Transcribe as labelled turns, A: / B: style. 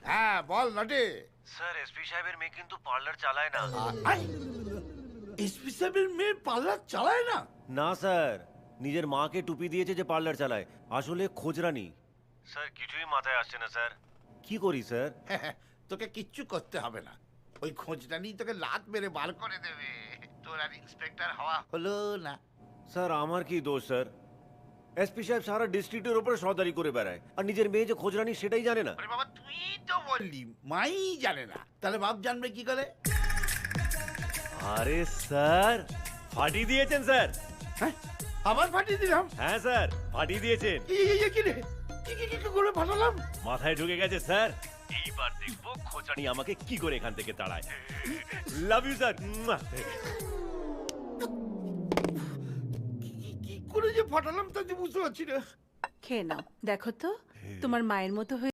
A: হ্যাঁ বল নটে।
B: Sir SP সাহেবের মেয়ে কিন্তু পার্লার চালায় না।
A: এসপি সাহেবের মেয়ে পার্লার চালায় না?
B: না স্যার, নিজের মাকে টুপি দিয়েছে যে পার্লার চালায়, আসলে খোঁজরানি। স্যার কিছুই মাথায় আসছে না স্যার, কি করি স্যার?
A: তোকে কিচ্ছু করতে হবে না, ওই খোঁজটা নিয়ে তোকে লাত মেরে বার করে দেবে। তোর আর ইন্সপেক্টর হওয়া হলো না।
B: স্যার আমার কি দোষ স্যার? এসপি সাহেব সারা ডিস্ট্রিক্টের উপরে সর্দারি করে বেড়ায়, আর নিজের মেয়ে যে খোঁজরানি সেটাই জানে না।
A: আরে বাবা তুই তো বললি মাই জানে না, তাহলে বাপ জানবে কি করে?
B: আরে স্যার ফাটিয়ে দিয়েছেন স্যার।
A: হ্যাঁ আবার ফাটিয়ে দিলাম?
B: হ্যাঁ স্যার ফাটিয়ে দিয়েছেন।
A: কি রে, কি করে ফাটালাম?
B: মাথায় ঢুকে গেছে স্যার। এইবার দেখবো খোঁচানি আমাকে কি করে এখান থেকে তাড়ায়। Love you sir.
A: কি করে যে ফাটালাম তা যে বুঝতে পারছি না।
C: খেয়ে নাও, দেখো তো তোমার মায়ের মতো হয়ে